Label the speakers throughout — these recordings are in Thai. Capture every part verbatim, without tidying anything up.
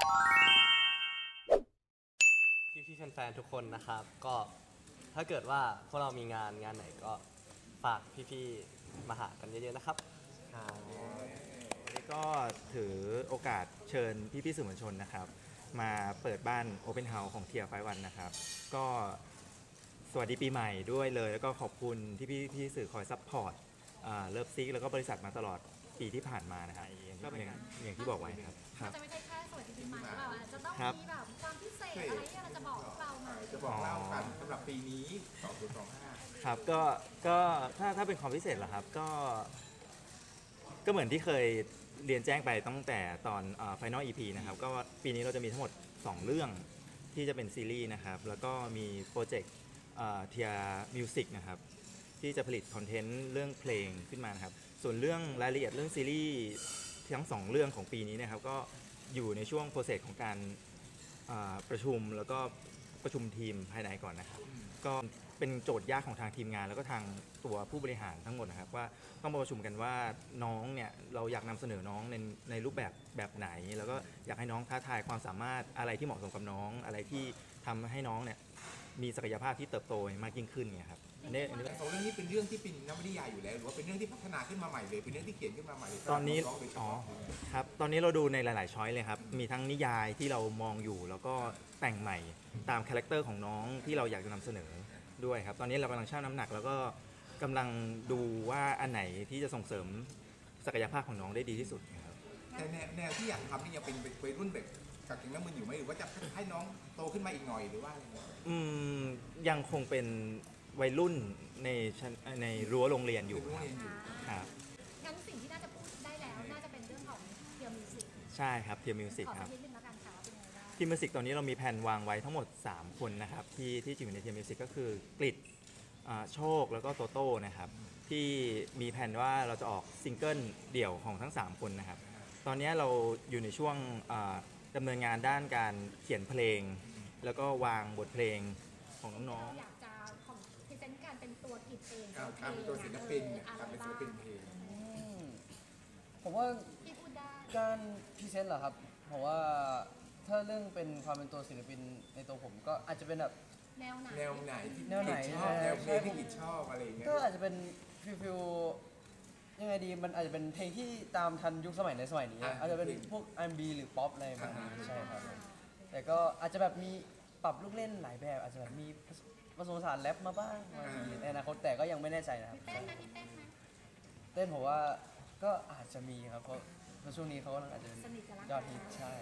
Speaker 1: พี่ๆแฟนๆทุกคนนะครับก็ถ้าเกิดว่าพวกเรามีงานงานไหนก็ฝากพี่ๆมาหากันเยอะๆนะครับ
Speaker 2: วันนี้ก็ถือโอกาสเชิญพี่ๆสื่อมวลชนนะครับ มาเปิดบ้าน Open House ของเทียร์ไฟวันนะครับ ก็สวัสดีปีใหม่ด้วยเลย แล้วก็ขอบคุณที่พี่พี่สื่อคอยซัพพอร์ตเลิฟซิกแล้วก็บริษัทมาตลอดปีที่ผ่านมานะครับก็เป็นอย่างที่บอกไว้ครับค
Speaker 3: มั
Speaker 2: รั
Speaker 3: น
Speaker 2: บ
Speaker 3: จะไม่ใช่แค่สวัสดีปีใหม่หรือเปล่าอาจจะต้อง
Speaker 2: ครับ
Speaker 3: มีแบบความพิเศษอะไรที่เราจะบอกพวกเรามา
Speaker 4: จะบอกเล่ากันสำหรับปีนี้สองพันยี่สิบห้า
Speaker 2: ครับก็ก็ถ้าถ้าเป็นความพิเศษเหรอครับก็ก็เหมือนที่เคยเรียนแจ้งไปตั้งแต่ตอนเอ่อ Final อี พี นะครับก็ปีนี้เราจะมีทั้งหมดสองเรื่องที่จะเป็นซีรีส์นะครับแล้วก็มีโปรเจกต์เทียมิวสิกนะครับที่จะผลิตคอนเทนต์เรื่องเพลงขึ้นมานะครับส่วนเรื่องรายละเอียดเรื่องซีรีส์ทั้งสองเรื่องของปีนี้นะครับก็อยู่ในช่วงโปรเซสของการอ่าประชุมแล้วก็ประชุมทีมภายในก่อนนะครับ ก็เป็นโจทย์ยากของทางทีมงานแล้วก็ทางตัวผู้บริหารทั้งหมดนะครับว่าต้องมาประชุมกันว่าน้องเนี่ยเราอยากนำเสนอน้องในในรูปแบบแบบไหน แล้วก็อยากให้น้องท้าทายความสามารถอะไรที่เหมาะสมกับน้อง อะไรที่ทำให้น้องเนี่ยมีศักยภาพที่เติบโตมากยิ่งขึ้นเนี่ยครับอันนี้อันนี้
Speaker 4: แต่สองเรื่องนี้เป็นเรื่องที่เป็นนวนิยายอยู่แล้วหรือว่าเป็นเรื่องที่พัฒนาขึ้นมาใหม่เลยเป็นเรื่องที่เขียนขึ้นมาใหม่เลย
Speaker 2: ตอนนี้
Speaker 4: สำหรับงๆโดยเฉ
Speaker 2: อ๋อ
Speaker 4: พาะ
Speaker 2: ครับตอนนี้เราดูในหลาย ๆ ช้อยเลยครับมีทั้งนิยายที่เรามองอยู่แล้วก็แต่งใหม่ตามคาแรคเตอร์ของน้องที่เราอยากจะนำเสนอด้วยครับตอนนี้เรากำลังชั่งน้ำหนักแล้วก็กำลังดูว่าอันไหนที่จะส่งเสริมศักยภาพของน้องได้ดีที่สุดครับ
Speaker 4: แต่แนวแนวที่อยากทำนี่ยังเป็นวัยรุ่นแบบกับเก่งน้ำมันอยู่ไหมหรือว่าจะให้น้องโตขึ้นมาอีกหน่อยหรือว่าอะไรเงี้ย
Speaker 2: อืมยังคงเป็นวัยรุ่นในชั้นในรั้วโรงเรียนอยู่
Speaker 4: เป็นโรง
Speaker 2: ครับ
Speaker 4: เรียนอยู่
Speaker 2: ครับ
Speaker 3: งั้นสิ่งที่น่าจะพูดได้แล้วน่าจะเป็นเรื่องของเดียวมิวสิก
Speaker 2: ใช่ครับเทียมิวสิก
Speaker 3: ขอ
Speaker 2: ค
Speaker 3: สั
Speaker 2: รั
Speaker 3: ก
Speaker 2: บ
Speaker 3: นิดนึงแล้วกันค่ะว่าเป็นยังไงบ้าง
Speaker 2: ทีมมิวสิกตอนนี้เรามีแผนวางไว้ทั้งหมด สาม คนนะครับที่ที่จะอยู่ในทีมมิวสิกก็คือกริดอ่าโชคแล้วก็โตโต้นะครับที่มีแผนว่าเราจะออกซิงเกิลเดี่ยวของทั้ง สาม คนนะครับตอนนี้เราอยู่ในช่วงอ่าดำเนินงานด้านการเขียนเพลง แล้วก็วางบทเพลงของน้อง
Speaker 3: เราอยากจะของพรีเซนต์การเป็นตัวกิจเอง
Speaker 4: การการเป็นตัวศิลปินเนี่ยการเป็นศิลปินเพลง
Speaker 5: ผมว่า
Speaker 3: ที่พูดได้
Speaker 5: การพรีเซนต์เหรอครับผมว่าถ้าเรื่องเป็นความเป็นตัวศิลปินในตัวผมก็อาจจะเป็นแบบ
Speaker 3: แนวไหน
Speaker 4: แนวไหนที่
Speaker 5: แนวไหน
Speaker 4: กิจชอบ
Speaker 5: ใช่
Speaker 4: แนวเพลงที่กิจชอบอะไรอย่างเงี้ย
Speaker 5: ก็อาจจะเป็นฟิลฟิลยังไงดีมันอาจจะเป็นเพลงที่ตามทันยุคสมัยในสมัยนี้อาจจะเป็นพวก อาร์ แอนด์ บี หรือป๊อปอะไรประมาณนี้ใช่ครับแต่ก็อาจจะแบบมีปรับลูกเล่นหลายแบบอาจจะแบบมีผสมผสานแรปมาบ้างบางทีในอนาคตแต่ก็ยังไม่แน่ใจนะครับ
Speaker 3: มีเต้นไหมมีเต้นไหม
Speaker 5: เต้นผมว่าก็อาจจะมีครับเพราะเพราะช่วงนี้เขากำลังอาจจะเป็น
Speaker 3: สนิทกันละ
Speaker 5: ยอดฮิตใช่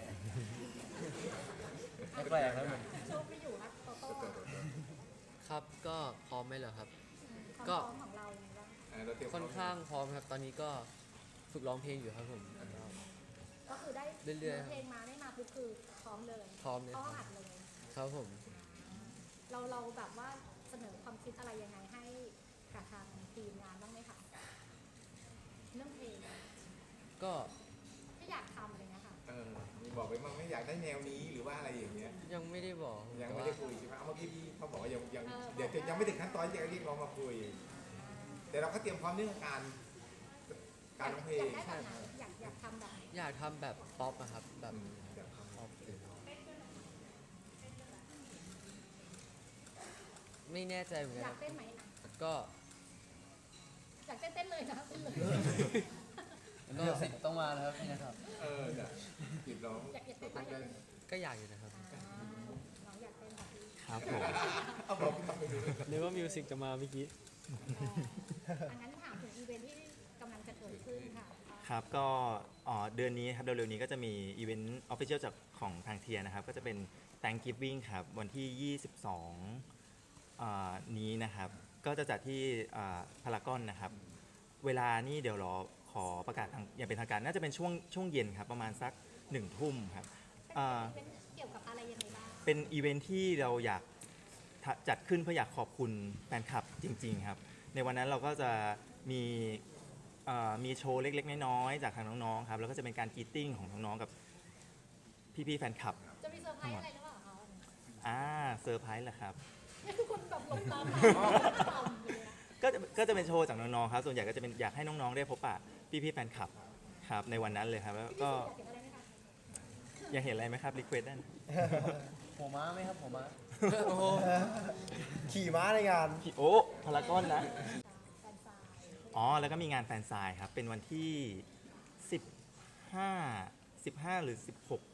Speaker 5: ไม่แปลกนะเหมือน
Speaker 3: โชคไม่อยู่นะโตโต้
Speaker 6: ครับก็พร้อมไหมเหรอครับ
Speaker 3: ความ
Speaker 6: ก็
Speaker 3: พร้อมของเราอย่างไรบ้าง
Speaker 4: เออเราเตรียม
Speaker 6: ค่อนข้างพร้อมครับ ตอนนี้ก็ฝึกร้องเพลงอยู่ครับผม
Speaker 3: ก็คือได้
Speaker 6: เรื่อยๆ
Speaker 3: เพลงมาได้มาปุ๊บคือพร้อมเลย
Speaker 6: พร้อมเลย
Speaker 3: เข้า
Speaker 6: ครับ
Speaker 3: อัดเลย
Speaker 6: ครับผม
Speaker 3: เราเราแบบว่าเสนอความคิดอะไรยังไงให้กับทางทีมงานบ้างไหมคะเรื่องเพลง
Speaker 6: ก็
Speaker 3: ที่อยากทำอะไรเงี้ยค่ะ
Speaker 4: เออมีบอกไปมั้งไม่อยากได้แนวนี้หรือว่าอะไรอย่างเงี้ย
Speaker 6: ยังไม่ได้บอก
Speaker 4: ยัง
Speaker 6: แต่
Speaker 4: ไม่
Speaker 6: ว่า
Speaker 4: ได้คุยใช่ไหมเอาเมื่อกี้พี่เขาบอกว่ายังยัง
Speaker 3: เออ
Speaker 4: เดี๋ยวจะยังไม่ถึงขั้นตอนที่จะเรียกร้องมาคุย แต่เราก็เตรียมพร้อมเรื่องการการร้องเพล
Speaker 3: อง ยากได้แบบไหนอยากอยากทำแบบไหน
Speaker 6: อยากทำแบบป๊อปอะครับ แบบ
Speaker 4: อืมเดี๋ยว
Speaker 6: ป๊อปเลยไม่แน่ใจเหมือน
Speaker 3: อ
Speaker 6: กั
Speaker 3: ยาน กเต้นไหม
Speaker 6: ก็
Speaker 3: อยากเต้นเต้นเลยนะเต้นเลย
Speaker 5: เลือกสิบต้องมานะครับพี่นะครับ
Speaker 4: เออเนี่ยติดร้อง
Speaker 3: อยากอยากเต้นไหม
Speaker 4: ได้
Speaker 6: ก็อยากอยู่นะครับ
Speaker 3: อ่าน้องอยากเต้นแบบพี่
Speaker 2: ครับผม
Speaker 4: เอาบอกพี่ทำไปดู
Speaker 7: เรียกว่ามิวสิกจะมาเมื่อกี้
Speaker 3: อันนั้นถามถึงอีเวนท์ที่กำลังจะเกิดขึ้นค่ะ
Speaker 2: ครับก็อ๋อเดือนนี้ครับเร็วๆนี้ก็จะมีอีเวนต์ออฟฟิเชียลจากของทางเทียนะครับก็จะเป็น Thanksgiving ครับวันที่ ยี่สิบสองอ่านี้นะครับก็จะจัดที่พารากอนนะครับเวลานี่เดี๋ยวรอขอประกาศทางอย่างเป็นทางการน่าจะเป็นช่วงช่วงเย็นครับประมาณสักหนึ่งทุ่มครับ
Speaker 3: เป็น
Speaker 2: อ่า
Speaker 3: อีเวนท์เกี่ยวกับอะไรยังไงบ้าง
Speaker 2: เป็นอีเวนท์ที่เราอยากทะจัดขึ้นเพื่ออยากขอบคุณแฟนคลับจริงๆครับในวันนั้นเราก็จะมีเอ่อมีโชว์เล็กๆน้อยๆจากทางน้องๆครับแล้วก็จะเป็นการกรีตติ้งของน้องๆกับพี่ๆแฟนคลับ
Speaker 3: จะมีเซอร์ไพรส์อะไรหรือเปล่าคะ
Speaker 2: อ่าเซอร์ไพรส์เหรอครับ
Speaker 3: นี่คือคนแบบหลงตามมาทำเลยอะ
Speaker 2: ก็จะก็จะเป็นโชว์จากน้องๆครับส่วนใหญ่ก็จะเป็นอยากให้น้องๆได้พบปะพี่ๆแฟนคลับครับในวันนั้นเลยครับแล้วก็
Speaker 3: พี่สุอยากเห็นอะไรไหมคะ
Speaker 2: อยากเห็นอะไรไหมครับรีเควสได้นะ
Speaker 5: หัวม้าไหมครับหัวม้า
Speaker 6: โอ้โห
Speaker 5: ขี่ม้าในงาน
Speaker 2: โอ้พารากอนนะ
Speaker 3: แฟนซาย
Speaker 2: อ๋อ แล้วก็มีงานแฟนไซน์ครับ เป็นวันที่สิบห้า สิบห้าหรือสิบหก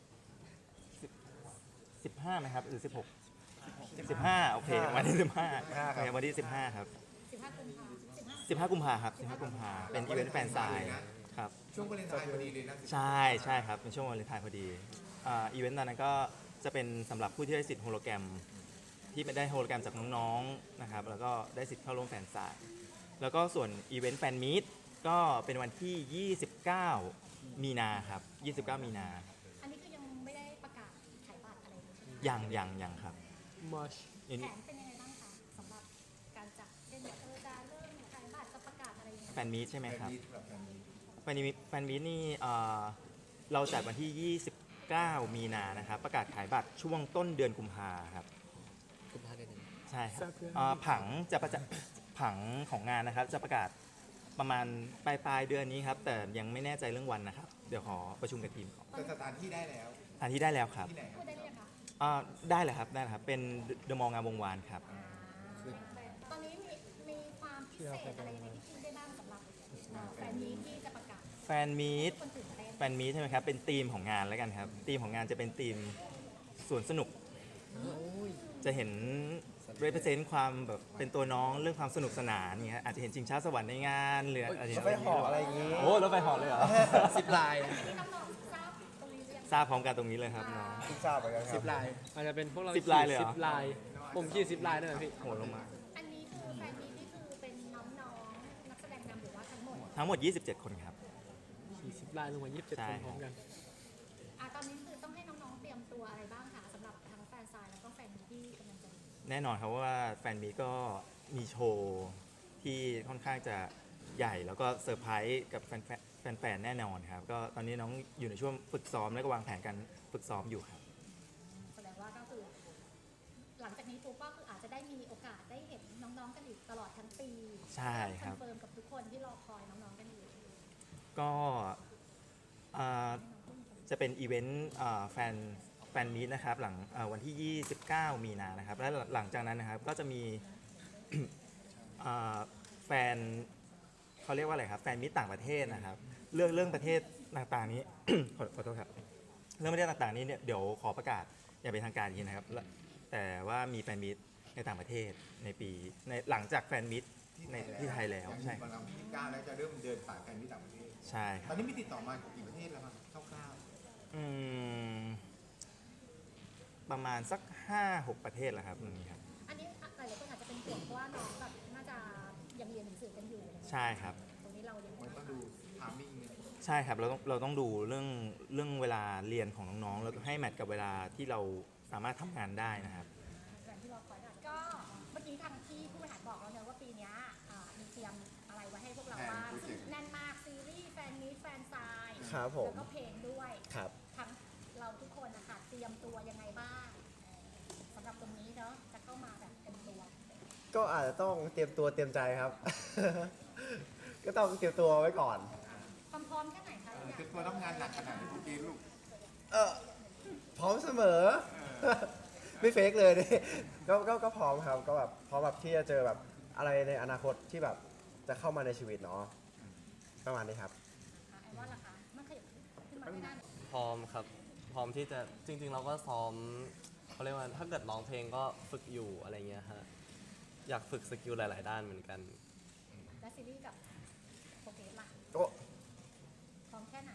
Speaker 2: สิบห้าไหมครับหรือสิบหก สิบห้าโอเควันที่สิบห้าโอเควันที่สิบห้าครับ
Speaker 3: สิบห้ากุมภาสิบห้า
Speaker 2: สิบห้ากุมภาครับสิบห้ากุมภาเป็นอีเวนต์แฟนไซน์ครับ
Speaker 4: ช่วงวาเลนไทน์พอดีเลยนะ
Speaker 2: ใช่ใช่ครับเป็นช่วงวาเลนไทน์พอดีอ่าอีเวนต์ตอนนั้นก็จะเป็นสำหรับผู้ที่ได้สิทธิ์โฮโลแกรมที่ไม่ได้โฮโลแกรมจากน้องๆนะครับแล้วก็ได้สิทธิ์เข้าร่วมแฟนไซน์แล้วก็ส่วนอีเวนต์แฟนมีตก็เป็นวันที่ ยี่สิบเก้า มีนาครับ ยี่สิบเก้า มีนา
Speaker 3: อันนี้คือยังไม่ได้ประกาศขายบัตรอะไรเลยใช่ไหม
Speaker 2: ยังยังยังครับ
Speaker 6: มาช
Speaker 2: อัน
Speaker 3: แผ
Speaker 2: นี้
Speaker 3: นเป็นยังไงบ้างคะสำหรับการจัดเช่นแบบเออจะเริ่มขายบัตรจะประกาศอะไรยังไง
Speaker 2: แฟนมีตใช่ไหมครับ
Speaker 4: แบบแบบนี้
Speaker 2: แฟนมีตแฟนมีตนี่เอ่อเราจัดวันที่ ยี่สิบเก้า มีนานะครับประกาศขายบัตรช่วงต้นเดือนกุมภาครับ
Speaker 6: กุมภาพันธ์เดือนหนึ่ง
Speaker 2: ใช่ครับเอ่อผังจะประจะผังของงานนะครับ จะประกาศประมาณปลายปลายๆเดือนนี้ครับ แต่ยังไม่แน่ใจเรื่องวันนะครับ เดี๋ยวขอประชุมกับทีมก่อน
Speaker 4: แต่สถานที่ได้แล้ว
Speaker 2: สถานที่ได้แล้วครับ
Speaker 4: ที่ไหนค
Speaker 3: พู
Speaker 4: รับ
Speaker 3: ดได้หรือยังคะ
Speaker 2: อ่าได้เลยครับได้เลยครับ เป็นเดอะมองงามวงวานครับ
Speaker 3: ตอนนี้มีมีความพิเศษอะไรยังไงที่คิดได้บ้างสำหรับเอ่อแฟนมีตที่จะประกาศ
Speaker 2: แฟนมีต
Speaker 3: คนตื่นเต้น
Speaker 2: แฟนมีตใช่ไหมครับ เป็นธีมของงานแล้วกันครับธีมของงานจะเป็นธีมสวนสนุก จะเห็น represent ความแบบเป็นตัวน้องเรื่องความสนุกสนานอย่างเงี้ยอาจจะเห็นชิงช้าสวรรค์ในงานหรืออาจจะเห็น
Speaker 5: รถไฟเหาะอะไรอย่างงี้
Speaker 2: โอ้รถไฟเหาะเลยเหรอ
Speaker 6: สิบลาย
Speaker 3: ที่น้องๆทราบตรงนี้หรือยัง
Speaker 2: ทราบพร้อมกันตรงนี้เลยครับน้อง
Speaker 5: ทุกทราบเหมือนกันค
Speaker 6: สิ
Speaker 5: รั
Speaker 6: บบ ลายอาจจะเป็นพวกเรา
Speaker 2: สิบลายเลยเหรอ
Speaker 6: สิบลาย ผมขี่สิบลายนั่นแหละพี่
Speaker 2: โหลงมา
Speaker 3: อันนี้คือแฟนมีตนี่คือเป็นน้องๆนักแสดงนำหรือว่าทั้งหมด
Speaker 2: ทั้งหมด ยี่สิบเจ็ด คนครับ
Speaker 6: ขี่สิบลายลงมายี่สิบเจ็ด
Speaker 2: ใช่
Speaker 6: คนพร้อมกัน
Speaker 3: อ่ะตอนนี้คือต้องให้น้องๆเตรียมตัวอะไรบ้างคะสำหรับทั้งแฟนซายแล้วก็แฟนมีตที่กำลังจะมี
Speaker 2: แน่นอนครับว่าแฟนมีก็มีโชว์ที่ค่อนข้างจะใหญ่แล้วก็เซอร์ไพรส์กับแฟนๆแฟนๆแน่นอนครับ ก็ตอนนี้น้องอยู่ในช่วงฝึกซ้อมและก็วางแผนการฝึกซ้อมอยู่ครับ
Speaker 3: แสดงว่าก็คือ หลังจากนี้ปุ๊บก็คืออาจจะได้มีโอกาสได้เห็นน้องๆกันอีกตลอดทั้งปี
Speaker 2: ใช่ครับ
Speaker 3: อนเฟิร์มกับทุกคนที่รอคอยน้องๆกันอยู่
Speaker 2: ก็อ่าจะเป็นอีเวนต์อ่าแฟนแฟนมีตนะครับหลังอ่าวันที่ ยี่สิบเก้า มีนานะครับ และหลังจากนั้นนะครับก็จะมี อ่าแฟนเขาเรียกว่าอะไรครับแฟนมิตรต่างประเทศนะครับ เรื่องเรื่องประเทศต่างๆนี้ ขอขอโทษครับเรื่องประเทศต่างๆนี้เนี่ยเดี๋ยวขอประกาศอย่างเป็นทางการอีกทีนะครับและแต่ว่ามีแฟนมิตรในต่างประเทศในปีในหลังจากแฟนมิตรในที่ไทยแล้วใช่
Speaker 4: วันเราที่ยี่สิบเก้าแล้วจะเริ่มเดินสายกันที่ต่างประเทศ
Speaker 2: ใช่ค
Speaker 4: ต
Speaker 2: รั
Speaker 4: อบ นนี้มีติดต่อมากี่ประเทศแล้วครับคร่าว
Speaker 2: อืมประมาณสักห้าหกประเทศแล้วครับตรงนี้ครับ
Speaker 3: อันนี้หลายๆคนอาจจะเป็นห่วงเพราะว่าน้องแบบน่าจะยังเรียนหนังสือกันอยู่อะไรเงี้ย
Speaker 2: ใช่ครับ
Speaker 3: ตรงนี้เรายัง
Speaker 4: ๆมันต้องดูทามมิ่งเนี่ย
Speaker 2: ใช่ครับเราต้องเราต้องดูเรื่องเรื่องเวลาเรียนของน้องๆแล้วก็ให้แมทกับเวลาที่เราสามารถทำงานได้นะครับ
Speaker 3: แฟนที่รอคอยนะก็เมื่อกี้ทางที่ผู้บริหารบอกแล้วเนอะว่าปีเนี้ยอ่ามีเตรียมอะไรไว้ให้พวกเราบ้างซึ่งแน่นมากซีรีส์แฟนมีตแฟนซาย
Speaker 5: ครับผม
Speaker 3: แล้วก็เพลงด้วย
Speaker 5: ครับ
Speaker 3: ทั้งเราทุกคนนะคะเตรียมตัวยังไงบ้างเอ่อสำหรับตรงนี้เนาะจะเข้ามาแบบเต็มตัว
Speaker 5: ก็อาจจะต้องเตรียมตัวเตรียมใจครับ ก็ต้องเตรียมตัวไว้ก่อน
Speaker 3: ความพร้อมแค่ไหนคะ
Speaker 4: เออ
Speaker 3: เนี่ย
Speaker 4: คือตัวต้องงานหนักขนาดไหนทุกทีลูก
Speaker 5: เออพร้อมเสมอ ไม่เฟกเลยนี่ ก็ก็ก็พร้อมครับ ก็แบบพร้อมแบบที่จะเจอแบบอะไรในอนาคตที่แบบจะเข้ามาในชีวิตเนาะประมาณนี้ครับ
Speaker 3: อ่ะไอ้ว่าล่ะคะมันขยับขึ้นมาไม่ได้เนี่ย
Speaker 1: พร้อมครับ พร้อมที่จะจริง ๆ เราก็ซ้อมเขาเรียกว่าถ้าเกิดร้องเพลงก็ฝึกอยู่อะไรเงี้ยฮะอยากฝึกสกิลหลาย ๆ ด้านเหมือนกัน
Speaker 3: และซีรีส์กับโปรเกรสล่ะ
Speaker 5: ก็
Speaker 3: พร้อมแค่ไหน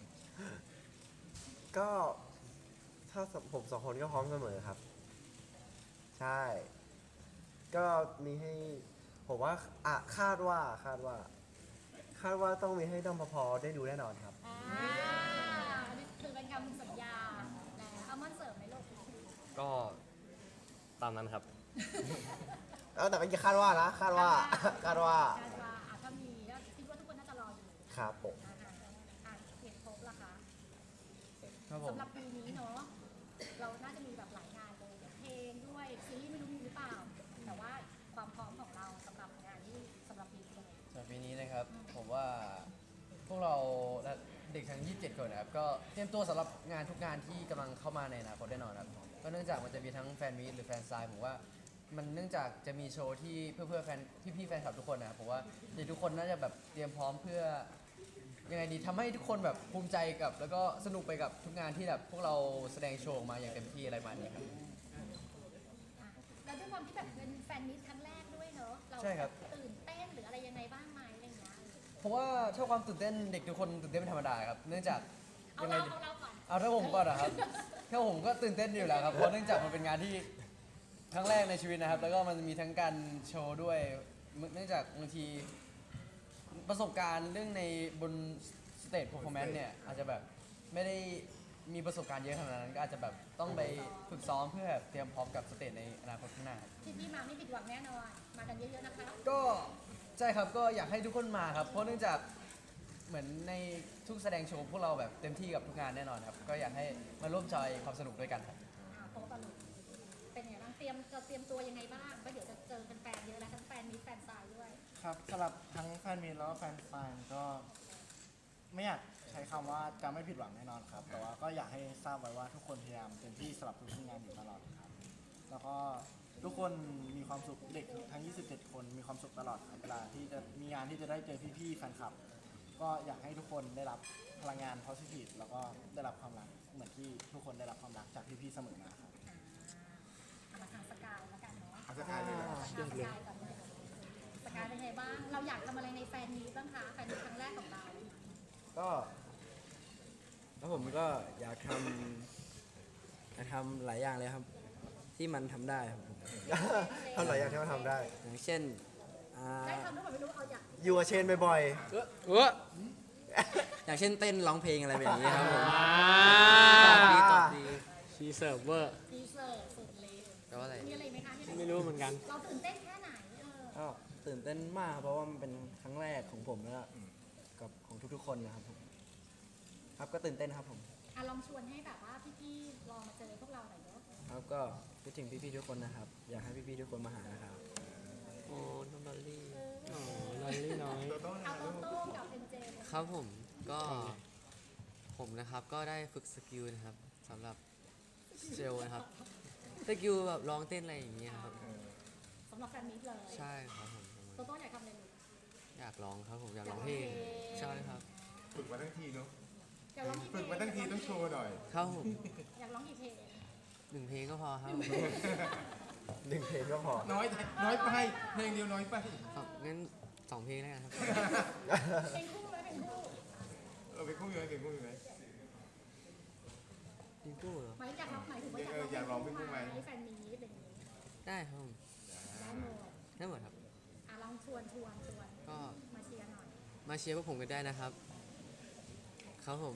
Speaker 5: ก็ถ้าผมสองคนก็พร้อมเสมอครับ ใช่ ก็มีให้ ผมว่าอ่ะคาดว่าคาดว่า คาดว่าต้องมีให้ด้อมพอๆได้ดูแน่นอนครับ
Speaker 3: อ่าอันนี้คือเป็นคำสัญญาแต่เอามันเสริมไหมลูก
Speaker 1: ก็ตามนั้นครับ
Speaker 5: เอาแต่ไม่คาดว่านะ คาดว่า คาดว่า
Speaker 3: การว่าอ่ะถ้ามีก็คิดว่าทุกคนน่าจะรออยู่
Speaker 5: ครับผม
Speaker 3: อ่าอ่ะเก็บครบละคะ
Speaker 5: ครับผม
Speaker 3: สำหรับปีนี้เนาะเราน่าจะมีแบบหลายงานเลยเพลงด้วยซีรีส์ไม่รู้มีหรือเปล่า แต่ว่าความพร้อมของเราสำหรับงานที่สำหรับปีนี้เป็นยังไง
Speaker 5: สำหรับปีนี้นะครับ ผมว่าพวกเราเด็กทั้งยี่สิบเจ็ดคนนะครับก็เตรียมตัวสำหรับงานทุกงานที่กำลังเข้ามาในอนาคตแน่นอนครับก็เนื่องจากมันจะมีทั้งแฟนมีตหรือแฟนซายผมว่ามันเนื่องจากจะมีโชว์ที่เพื่อเพื่อแฟนที่พี่แฟนคลับทุกคนนะครับผมว่าเด็กทุกคนน่าจะแบบเตรียมพร้อมเพื่อยังไงดีทำให้ทุกคนแบบภูมิใจกับ แล้วก็สนุกไปกับทุกงานที่แบบพวกเราแสดงโชว์ออกมาอย่างเต็มที่อะไรประมาณนี้ครับ
Speaker 3: อ่ะแล้วด้วยความที่แบบเป็นแฟนมิตครั้งแรกด้วยเนอะเรา
Speaker 5: ใช่ครับ
Speaker 3: ตื่นเต้นหรืออะไรยังไงบ้างไหมอะไรอย่างเงี้ย
Speaker 5: เพราะว่าถ้าความตื่นเต้นเด็กทุกคนตื่นเต้นเป็นธรรมดาครับเนื่องจาก
Speaker 3: เอา
Speaker 5: ยังไง
Speaker 3: เรา
Speaker 5: ดี
Speaker 3: เอาเราก่อน
Speaker 5: เอาถ้าผมก่อนนะครับถ้าผมก็ตื่นเต้นอยู่แล้วครับเพราะเนื่องจากมันเป็นงานที่ครั้งแรกในชีวิตนะครับ แล้วก็มันมีทั้งการโชว์ด้วยเนื่องจากบางทีประสบการณ์เรื่องในบนสเตจเพอร์ฟอร์แมนซ์เนี่ยอาจจะแบบไม่ได้มีประสบการณ์เยอะขนาดนั้นก็อาจจะแบบต้องไปฝึกซ้อมเพื่อแบบเตรียมพร้อมกับสเตจในอนาคตข้างหน้าครับ
Speaker 3: ที่พี่มาไม่ผิดหวังแน่นอนมากันเยอะๆนะคะ
Speaker 5: ก็ใช่ครับก็อยากให้ทุกคนมาครับเพราะเนื่องจากเหมือนในทุกแสดงโชว์พวกเราแบบเต็มที่กับทุกงานแน่นอนครับก็อยากให้มาร่วมจอยความสนุกด้วยกันครับ
Speaker 3: อ่าโต๊ะตลกเป็นยังไงบ้างเตรียมจะเตรียมตัวยังไงบ้างก็เดี๋ยวจะเจอแฟนๆเยอะแล้วทั้งแฟนมิตรแฟนซายด้วย
Speaker 7: ครับสำหรับทั้งแฟนมีตแล้วก็แฟนฟานก็ไม่อยากใช้คำว่าจะไม่ผิดหวังแน่นอนครับ แต่ว่าก็อยากให้ทราบไว้ว่าทุกคนพยายามเต็มที่สำหรับทุกงานอยู่ตลอดครับ แล้วก็ทุกคนมีความสุขเด็กทั้ง ยี่สิบเจ็ด คนมีความสุขตลอดครับเวลาที่จะมีงานที่จะได้เจอพี่ๆแฟนคลับ ก็อยากให้ทุกคนได้รับพลังงาน positive แล้วก็ได้รับความรักเหมือนที่ทุกคนได้รับความรักจากพี่ๆเสมอมาครับ
Speaker 3: เอามาทางสกายแล้วกันเนาะ
Speaker 4: เอาสกายเลยเหรอ
Speaker 3: ทางสกายก่อนเลยสกายเป็นไงบ้าง เราอยากทำอะไรในแฟนมีตบ้างคะแฟนมีตครั้งแรกของเรา
Speaker 8: ก็แล้วผมก็อยากทำอยากทำหลายอย่างเลยครับ ที่มันทำได้ครับผม
Speaker 9: ทำหลายอย่างที่มันทำได้
Speaker 8: อย่างเช่นอ่า
Speaker 3: ได้ทำด้วยแบบไม่รู้เอาอยาก
Speaker 9: อยู่กับเชนบ่อย
Speaker 6: เออ
Speaker 8: อย่างเช่นเต้นร้องเพลงอะไรแบบนี้ครับผม
Speaker 6: อ่า
Speaker 8: ตอบดีตอบดี
Speaker 6: ชีเซิร์ฟเวอร์
Speaker 3: ดีเซอร์สุดเลย
Speaker 8: แปลว่าอะไร
Speaker 3: มีอะไรไหมคะที่
Speaker 6: ไม่รู้เหมือนกัน
Speaker 3: เราตื่นเต้นแค่ไหนเออ
Speaker 8: ก็ตื่นเต้นมากครับเพราะว่ามันเป็นครั้งแรกของผมแล้วก็กับของทุกๆคนนะครับผมครับก็ตื่นเต้นครับผม
Speaker 3: อ่ะลองชวนให้แบบว่าพี่ๆลองมาเจอพวกเราหน่อยเนาะ
Speaker 8: ครับก็คิดถึงพี่ๆทุกคนนะครับ อยากให้พี่ๆทุกคนมาหานะครับ
Speaker 6: โอ้น้องดอลลี่โอ้ดอลลี่น้อย
Speaker 3: เอาโตโต้กับเอ็นเจ
Speaker 6: ครับผมก็ผมนะครับก็ได้ฝึกสกิลนะครับสำหรับเซลล์นะครับสกิลแบบร้องเต้นอะไรอย่างเงี้ยครับ
Speaker 3: สำหรับแฟนมิตรเลย
Speaker 6: ใช่ครับผม
Speaker 3: โตโต้อยากทำอะไรลูก
Speaker 6: อยากร้องครับผมอยากร้องเพลงใช่ครับ
Speaker 4: ฝึกมาทั้งทีเนาะ
Speaker 3: อยากร้องกี่เพล
Speaker 4: ฝึ
Speaker 3: ง
Speaker 4: กมาทั้งทีต้องโชว์หน่อย
Speaker 6: ครับผม
Speaker 3: อยากร้องกี่เพลง
Speaker 6: หนึ่งเพลงก็พอครับ
Speaker 9: ๆหนึ่งเพลงก็พอ
Speaker 4: น้อยน้อยไปเพลงเดียวน้อยไป
Speaker 6: ครับงั้นสองเพลงแล้วกันครับ
Speaker 3: เพลงคู่ไหมเพลงคู่
Speaker 4: เออไปคู่อยู่ไหมเพลงคู่อยู่ไหม
Speaker 6: เพลงคู่เหรอ
Speaker 3: หมายอยากร้องหมายถึงว่า
Speaker 4: เอออยากร้องเพลงคู่ไหม
Speaker 3: แฟนมีตอะไรอย่างงี้
Speaker 6: ได้ครับผม
Speaker 3: ได้หมด
Speaker 6: ได้หมดครับ
Speaker 3: อ่ะลองชวนชวนชวน
Speaker 6: ก็
Speaker 3: มาเชียร์หน่อย
Speaker 6: มาเชียร์พวกผมกันได้นะครับ ครับผม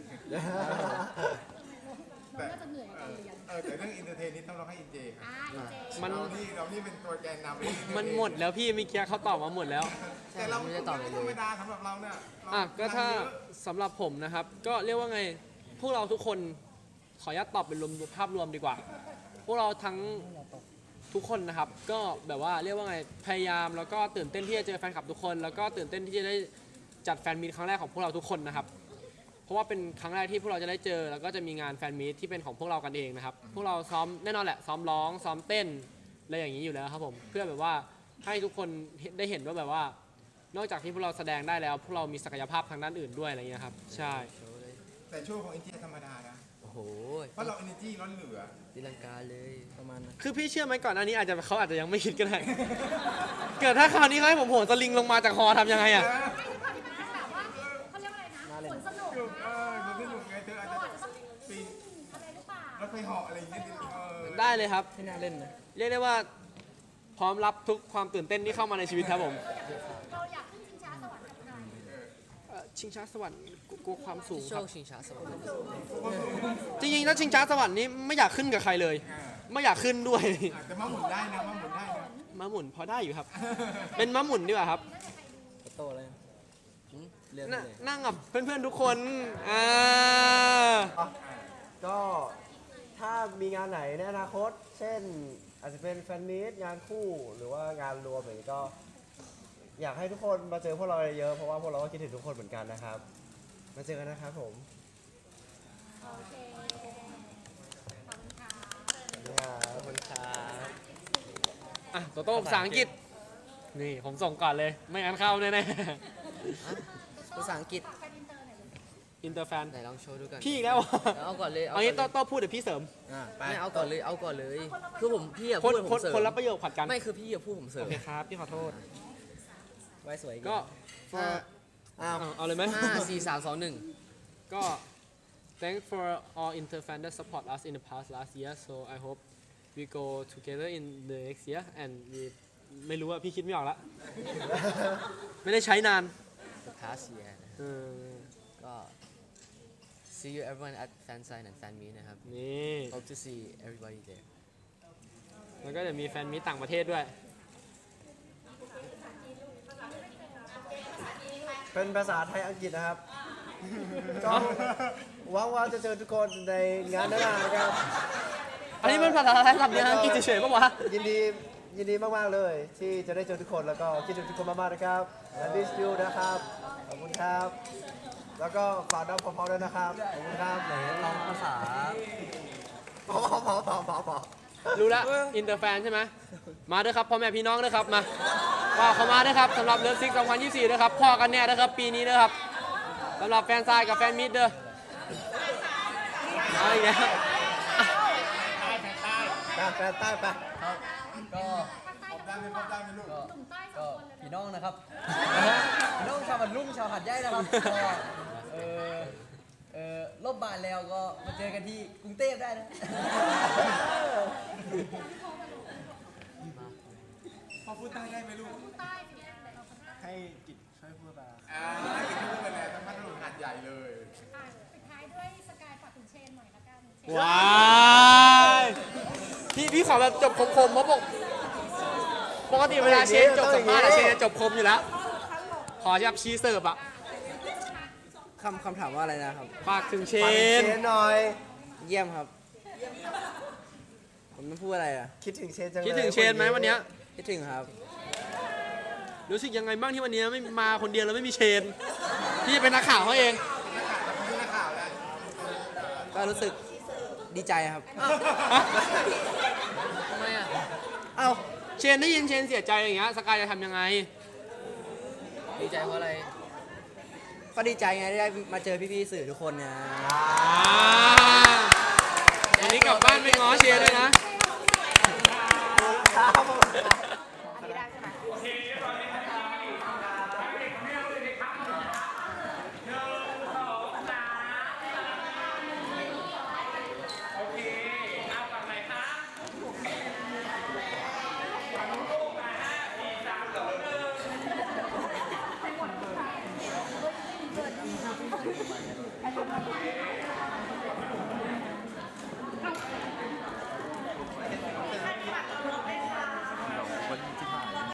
Speaker 3: เราน่าจะเหนื่อยกับการเรียน
Speaker 4: เออแต่เรื่องอินเตอร์เทนนี่ต้องร้องให้อินเจครับ
Speaker 3: อ่ะเอ็นเจ
Speaker 6: มัน
Speaker 4: เรานี่เรานี่เป็นตัวแกนนำเรื่อง entertain
Speaker 6: มันหมดแล้วพี่เมื่อกี้เขาตอบมาหมดแล้ว
Speaker 4: แต่เรา
Speaker 6: ไม่ได้ตอบเลย
Speaker 4: ธรรมดาสำหรับเราเนี่ยเรา
Speaker 10: อ่ะก็ถ้าง
Speaker 4: นเยอะ
Speaker 10: สำหรับผมนะครับ ก็เรียกว่าไงพวกเราทุกคนขออนุญาตตอบเป็นรวมภาพรวมดีกว่า พวกเราทั้งทุกคนนะครับ ก็แบบว่าเรียกว่าไงพยายามแล้วก็ตื่นเต้นที่จะเจอแฟนคลับทุกคน แล้วก็ตื่นเต้นที่จะได้จัดแฟนมีตครั้งแรกของพวกเราทุกคนนะครับ เพราะว่าเป็นครั้งแรกที่พวกเราจะได้เจอ แล้วก็จะมีงานแฟนมีตที่เป็นของพวกเรากันเองนะครับ พวกเราซ้อมแน่นอนแหละซ้อมร้องซ้อมเต้นอะไรอย่างนี้อยู่แล้วครับผมเพื่อแบบว่าให้ทุกคนได้เห็นว่าแบบว่า นอกจากที่พวกเราแสดงได้แล้ว พวกเรามีศักยภาพทางด้านอื่นด้วยอะไรอย่างเงี้ยครับใช่
Speaker 4: แต่โชว์ของอินเจธรรมดานะ
Speaker 6: โอ้โห
Speaker 4: เพราะเรา energy ล้นเหลือ
Speaker 6: ตีลังกาเลยประมาณนั้น
Speaker 10: คือพี่เชื่อไหมก่อนอันนี้อาจจะเขาอาจจะยังไม่คิดก็ได้ เกิดถ้าคราวนี้เขาให้ผมโหนสลิงลงมาจากฮอทำยังไงอ่ะ
Speaker 3: ไม่ทุกคนที่มันแบบว่าเขาเรียกว่าอะไรนะผลสนุก
Speaker 4: เอ
Speaker 3: นะ
Speaker 4: อมันสนุกไงเธออาจ
Speaker 3: เรา
Speaker 4: จะ
Speaker 3: อาจจะต้อง
Speaker 4: ปีน
Speaker 3: อะไรหรือเปล่าร
Speaker 4: ถไฟเหาะอะไรอย่างเงี้ยเออ
Speaker 10: ได้เลยครับ
Speaker 8: ไม่น่าเล่นนะ
Speaker 10: เรียกได้ว่าพร้อมรับทุกความตื่นเต้นที่เข้ามาในชีวิตครับผม
Speaker 3: เราอยากขึ้นชิงช้าสวรรค์กับใคร
Speaker 10: เอ่อชิงช้าสวรรค์กลัวความสูง
Speaker 6: โช
Speaker 10: ครับ
Speaker 6: คชิงช้าสวรรค์
Speaker 10: จริงๆถ้าชิงช้าสวรรค์นี้ไม่อยากขึ้นกับใครเลย ไม่อยากขึ้นด้วย
Speaker 4: อาจจะมาหมุนได้นะมาหมุนได้นะ
Speaker 10: ม้าหมุนพอได้อยู่ครับ เป็นม้าหมุนดีกว่าครับ
Speaker 8: โตเลยเรื่อง
Speaker 10: น
Speaker 8: เลย
Speaker 10: นั่งกับเพื่อนๆทุกคนอ่า
Speaker 9: ก็ถ้ามีงานไหนในอนาคต เช่น อาจจะเป็นแฟนมีตงานคู่หรือว่างานรวมอย่างนี้ก็ อยากให้ทุกคนมาเจอพวกเราเยอะๆเพราะว่าพวกเราก็คิดถึงทุกคนเหมือนกันนะครับมาเจอกันนะครับผม
Speaker 3: โอเคขอบคุณค่ะ
Speaker 1: ขอบคุณครับ
Speaker 10: อ่ะโตโต้ภาษาอังกฤษ นี่ผมส่งก่อนเลย ไม่งั้นเข้าแน่
Speaker 6: ภาษาอังกฤษ
Speaker 3: ฝากแฟนอินเตอร์หน่อยเลย
Speaker 10: ๆอินเตอร์แฟน
Speaker 6: ไหนลองโชว์ดูกัน
Speaker 10: พี่อีกแล้ว
Speaker 6: เอาก่อนเลย
Speaker 10: เอางี้โต
Speaker 6: ก่อนเลย
Speaker 10: โต้พูดเดี๋ยวพี่เสริม
Speaker 9: อ่ะไป
Speaker 6: ไม่เอาก่อนเลยเอาก่อนเลย คือผมพี่อะ
Speaker 10: คน
Speaker 6: พูด
Speaker 10: คน
Speaker 6: ผมเสริม
Speaker 10: คนรับประโยชน์ผัดกัน
Speaker 6: ไม่คือพี่อะพูดผมเสริ
Speaker 10: โอ
Speaker 6: ม
Speaker 10: เคครับ พี่ขอโทษ
Speaker 8: ไว้สวย
Speaker 10: ก็
Speaker 6: ห้า
Speaker 10: เอาเอาเลยไหม
Speaker 6: ห้าสี่สามสองหนึ่ง
Speaker 10: ก็ thanks for all Inter fan that support us in the past last year so I hope we go together in the next year and we ไม่รู้อะพี่คิดไม่ออกละ ไม่ได้ใช้นาน
Speaker 6: the past year
Speaker 10: เออ
Speaker 6: ก็ see you everyone at fan sign and fan meet นะครับ
Speaker 10: นี่
Speaker 6: hope to see everybody there
Speaker 10: แล้วก็จะมีแฟนมีตต่างประเทศด้วย
Speaker 9: เป็นภาษาไทยอังกฤษนะครับ ก็หวังว่าจะเจอทุกคนในงานหน้านะครับ
Speaker 10: อันนี้เป็นภาษาไทยสำเนียงอังกฤษเฉยๆปะวะ
Speaker 9: ยินดียินดีมากๆเลย ที่จะได้เจอทุกคนแล้วก็คิดถึงทุกคนมากๆนะครับและดิสยูนะครับขอบคุณครับ แล้วก็ฝากน้องพอๆด้วยนะครับขอบคุณครับไหน
Speaker 1: ลองภาษา
Speaker 9: พอพอพอพอพอพอ
Speaker 10: รู้แล้วอินเตอร์แฟนใช่ไหมมาด้วยครับพ่อแม่พี่น้องด้วยครับมาก็เข้ามาด้วยครับสำหรับเลิฟซิกสองพันยี่สิบสี่ด้วยครับพ่อกันแน่ด้วยครับปีนี้ด้วยครับสำหรับแฟนซายกับแฟนมิดเด้อเอาอีกแล้ว
Speaker 9: ไปแฟนใต้ไป
Speaker 5: ก็
Speaker 4: พบได้ไหมพบได้ไหมลูก
Speaker 5: ก็
Speaker 3: หนุ่มใต้สอ
Speaker 5: ก็
Speaker 3: งคนเลย
Speaker 5: พี่น้องนะครับ พี่น้องชาวบันลุ่มชาวหัดใหญ่นะครับก็เออเออลบบานแล้วก็มาเจอกันที่กรุงเทพได้นะ
Speaker 4: พอพูดใต้ได้ไหมลูก
Speaker 3: พูดใต้เป็นยังไงเราคนใต้
Speaker 7: ให้กิจช่วยพูดไป
Speaker 4: อ่าอย่างที่พูดไปแล้วทั้งพัทลุงหาดใหญ่เลย
Speaker 3: อ่ะปิดท้ายด้วยสกายฝากถึงเชนหน่อยละกันเชน
Speaker 10: ว้ายพี่พี่ขอแบบจบคมๆเพราะปกปกติเวลาเชนจบสัมภาษณ์อะเชนจะจบคมอยู่แล้ว ขอจับชีเสิร์ฟอะ
Speaker 8: คำคำถามว่าอะไรนะครับ
Speaker 10: ฝากถึงเช
Speaker 9: ฝากถึง
Speaker 10: น
Speaker 9: เชนหน่อย
Speaker 8: เยี่ยมครับ ผมต้องพูดอะไรอ่ะ
Speaker 9: คิดถึงเชนจังเลย
Speaker 10: คิดถึงเชนไหมวันเนี้ย
Speaker 8: คิดถึงครับ
Speaker 10: รู้สึกยังไงบ้างที่วันนี้ไม่มาคนเดียวแล้วไม่มีเชน พี่เป็นนักข่าวเขาเอง
Speaker 8: ก็รู้สึกดีใจครับ
Speaker 6: ทำไมอะ
Speaker 10: เอ้าเชนได้ยินเชนเสียใจอย่างเงี้ยสกายจะทำยังไง
Speaker 6: ดีใจเพราะอะไร
Speaker 8: ก็ดีใจไงที่ได้มาเจอพี่ๆสื่อทุกคนเนี่ย
Speaker 10: อ่าวันนี้กลับบ้านไปง้อเชนด้วยนะ
Speaker 3: เ